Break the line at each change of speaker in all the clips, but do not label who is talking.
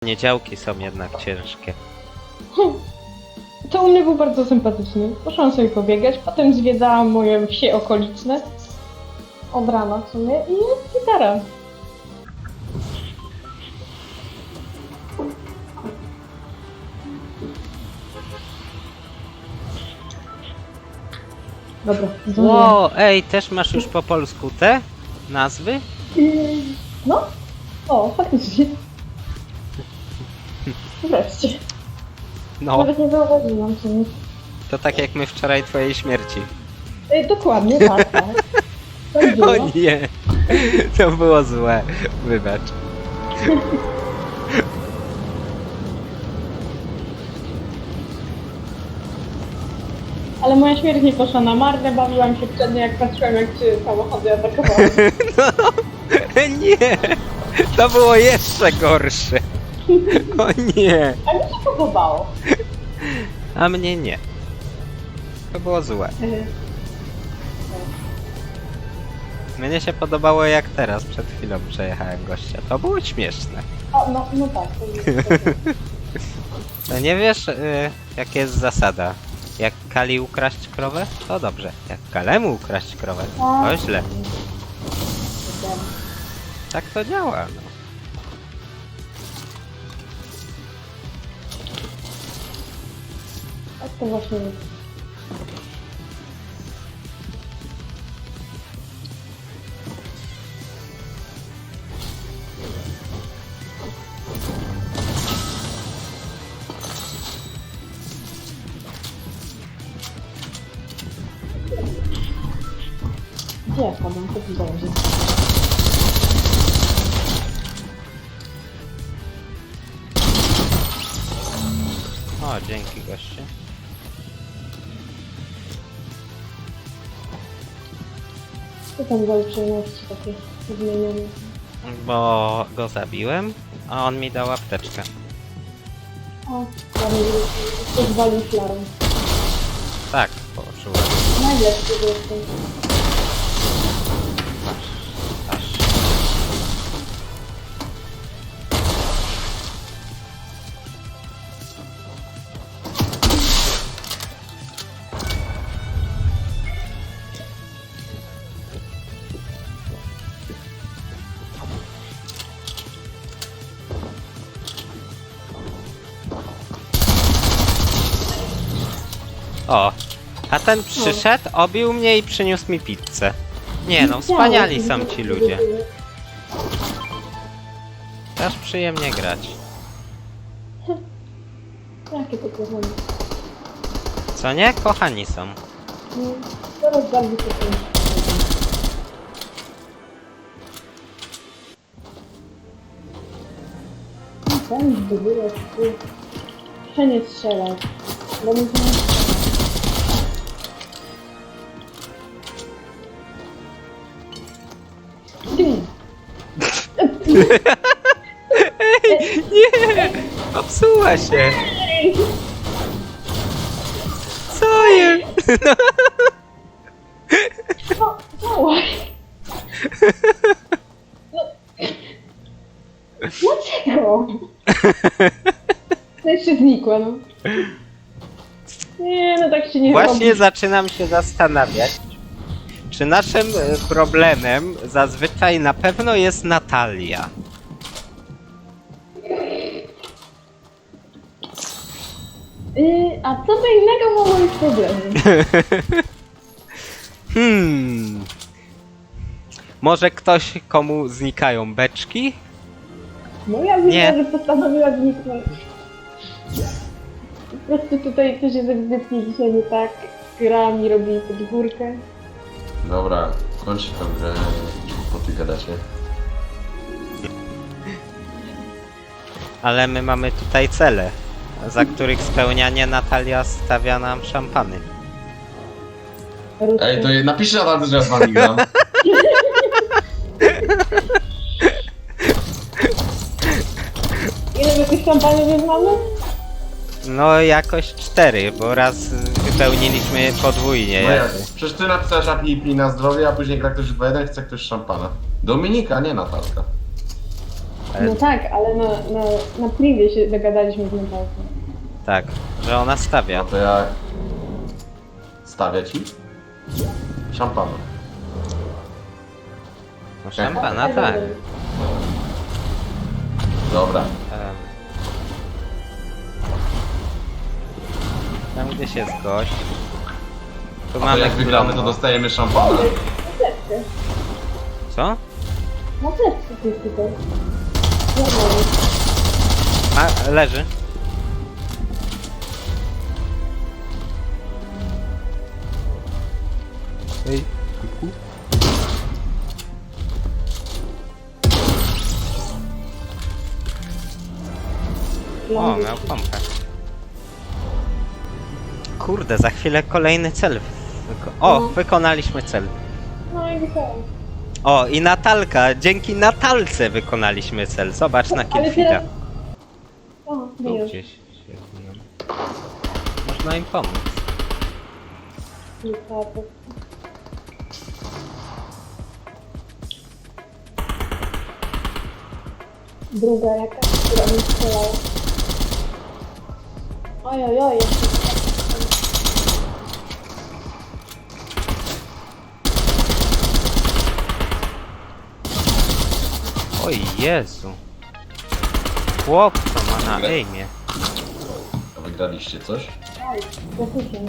poniedziałki są jednak ciężkie.
To u mnie był bardzo sympatyczny. Poszłam sobie pobiegać, potem zwiedzałam moje wsie okoliczne. Od rana w sumie i jest gitara. Dobra, zdążyłam.
Ło, ej, też masz już po polsku te nazwy?
No? O, faktycznie. Wreszcie.
No,
Nawet nie zauważyłam w sumie.
to tak jak my wczoraj twojej śmierci.
Dokładnie, tak, tak. Tak było.
O nie, to było złe, wybacz.
Ale moja śmierć nie poszła na marne, bawiłam się wtedy, jak patrzyłam, jak cię samochody atakowały.
No, nie, to było jeszcze gorsze. O nie,
A mi się podobało.
a mnie nie. To było złe. Mnie się podobało jak teraz, przed chwilą przejechałem gościa. To było śmieszne.
O, no tak. To jest,
To nie wiesz, jaka jest zasada. Jak Kali ukraść krowę, to dobrze. Jak Kalemu ukraść krowę, to źle. Tak to działa, no.
tak to właśnie jest. Gdzie ja padam? Co tu zależy?
O, dzięki goście.
Co tam za uprzejmości takie zmienione?
Bo go zabiłem, a on mi dał apteczkę.
O, ładnie, coś walił flarą.
Tak, poczułem.
Najlepszy jestem.
Aż. O, a ten przyszedł, obił mnie i przyniósł mi pizzę. Nie no, wspaniali są ci ludzie. Też przyjemnie grać.
Jakie to kochane.
Co nie? Kochani są.
No, teraz bardzo to pięknie. Ten zdobyłeś, ty. Muszę nie strzelać. Bo mi to nie... Ty!
Nie! Popsuła się! Co jest?
No, działaj! No. Dlaczego? To jeszcze znikła, no. Nie, no tak się nie
Właśnie
robi.
zaczynam się zastanawiać, czy naszym problemem zazwyczaj na pewno jest Natalia.
A co to innego mogło być problemem?
Może ktoś, komu znikają beczki?
No ja
Nie.
widzę, że postanowiła zniknąć. Po prostu tutaj coś jest ewidentnie dzisiaj nie tak. Gra mi robi pod górkę.
Dobra, kończcie tę grę, po ty gadacie.
Ale my mamy tutaj cele, za których spełnianie Natalia stawia nam szampany.
Ej, to napiszcie na tacy, że ja z wami gram.
Ile my tych szampanów mamy?
No jakoś 4, bo raz wypełniliśmy podwójnie.
No jak?
jakby.
Przecież ty napisałeś API na zdrowie, a później gra ktoś 2-1, chce ktoś szampana. Dominika, nie Natalka.
Ale
No tak, ale na privie się dogadaliśmy z Natalką.
tak, że ona stawia.
No to ja... Stawię ci? Szampana.
No szampana, tak.
Dobra.
Tam gdzieś jest gość. Tu
A to
mamy
jak wygramy, to
Klombo.
dostajemy szampana.
Co?
Na sercu jest tutaj. Normalnie.
A, leży. Ej, kuku. O, miał pompę. Kurde, za chwilę kolejny cel. O, wykonaliśmy cel.
No i wykonałem.
O, i Natalka, dzięki Natalce wykonaliśmy cel. Zobacz na
Ale
Killfeeda.
teraz... O,
Tu
wyjął.
gdzieś się biją. Można im pomóc.
Druga jakaś, która mi strzelała. Ojojoj, jeszcze.
Oj Jezu. Chłop, co ma na aimie.
A wygraliście coś?
Aj, zakusię.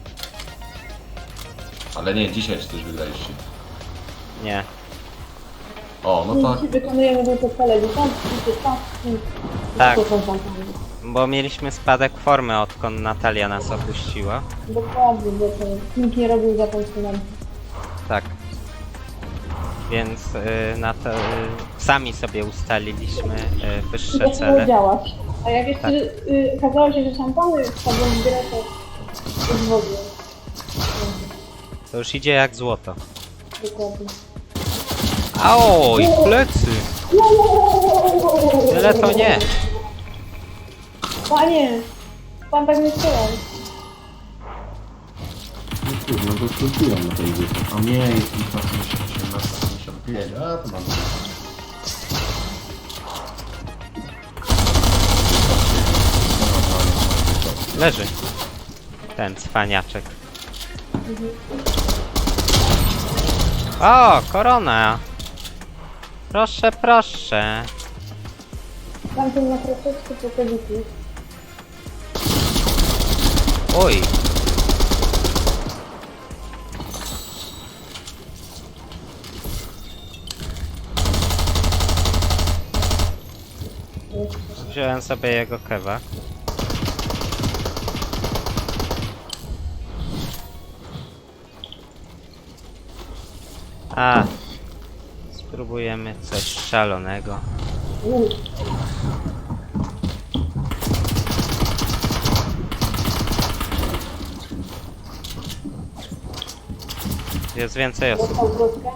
Ale nie, dzisiaj czy coś wygraliście.
Nie.
O, no tak.
Dziś wykonujemy tylko cele tam.
Tak. Bo mieliśmy spadek formy, odkąd Natalia nas opuściła.
Dokładnie, bo to nikt nie robił za tą stronę.
Tak. Więc sami sobie ustaliliśmy wyższe
Nie
cele.
działać. A jak jeszcze
Tak.
okazało się, że szampany wchodzą w grę, to już w ogóle.
To już idzie jak złoto.
Dokładnie.
Oj, plecy! Tyle to nie.
Panie! Pan tak nie strzelał.
No kurde, no to skróciłem na tej górze. A nie, jest 1855. A, to mam.
Leży. Ten cwaniaczek. O, korona! Proszę, proszę.
Tamten na troszeczkę po kobiety.
Oj. Wziąłem sobie jego kewa. A, spróbujemy coś szalonego. Jest więcej osób.
Dostał wrotkę.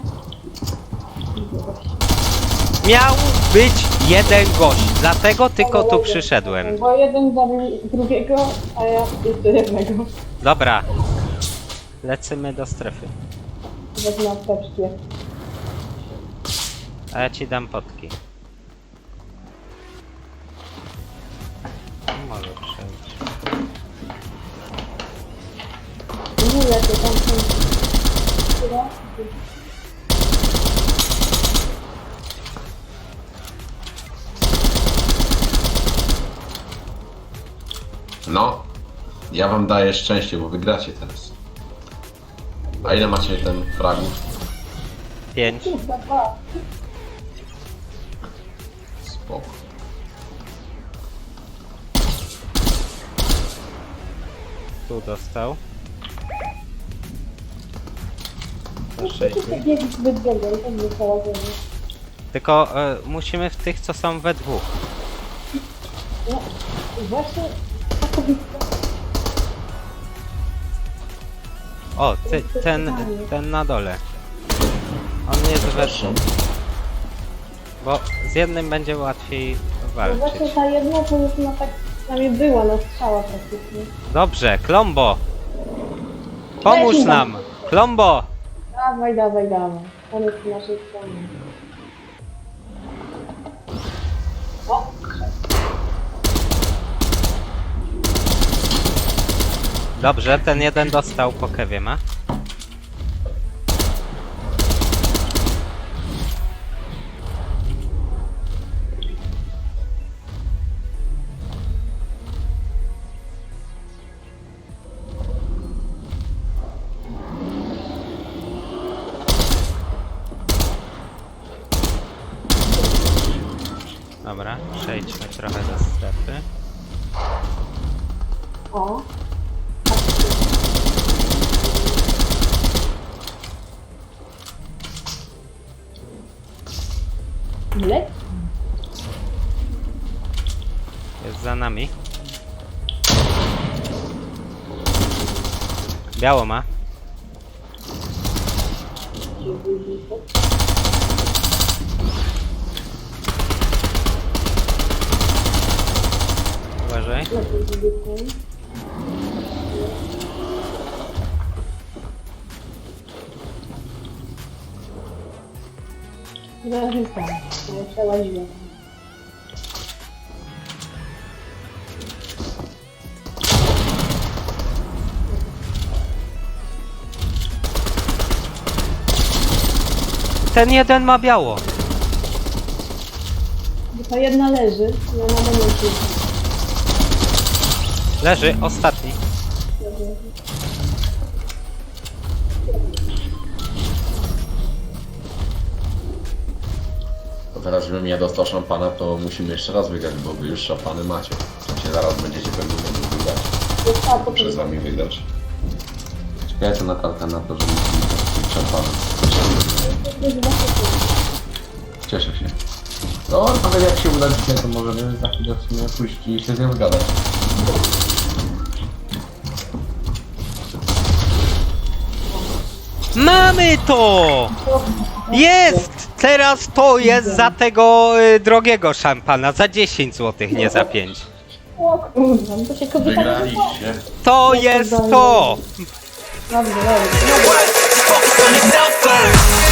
Miał być jeden gość, dlatego tylko tu przyszedłem.
Bo jeden zabił drugiego, a ja jeszcze jednego.
Dobra. Lecimy do strefy.
Wezmę apteczkę.
A ja ci dam potki. Może przejść.
Nie lepiej, tam są... Która?
No, ja wam daję szczęście, bo wygracie teraz. A ile macie ten fragment?
5.
Kurwa, dwa.
Spoko.
Tu dostał. To 6.
Wszyscy biegli zbyt długo i tak została ze mną.
Tylko musimy w tych, co są we dwóch.
No, właśnie ta kobitka.
O, ten na dole. On jest we dwóch. Bo z jednym będzie łatwiej
No
walczyć.
właśnie ta jedna to już na tak przynajmniej była na strzała praktycznie.
Dobrze, Klombo! Pomóż nam! Klombo!
Dawaj, dawaj, dawaj. On jest po naszej stronie.
Dobrze, ten jeden dostał po kewie ma. Dobra, przejdźmy trochę do strefy.
O. Ile?
Jest za nami. Biało ma. Uważaj.
Zaraz tam. Ja przełaziłem.
Ten jeden ma biało.
Ta jedna leży, ja na momencie.
Leży, ostatni.
To teraz, żebym ja dostał szampana, to musimy jeszcze raz wygrać, bo wy już szampany macie. W sensie zaraz będziecie pewnie mogli wygrać. Muszę z wami wygrać. Czekajcie na kalkę na to, że musimy mieć szampana. Cieszę się. No, nawet jak się uda dzisiaj, to możemy za chwilę w sumie pójść i się z nią zgadać.
Mamy to! Jest! Teraz to jest za tego drogiego szampana, za 10 zł, nie za 5.
O kurwa, no to się kobieta...
Wygraliście.
To jest to!
Dobrze, dobrze.
Focus on yourself first.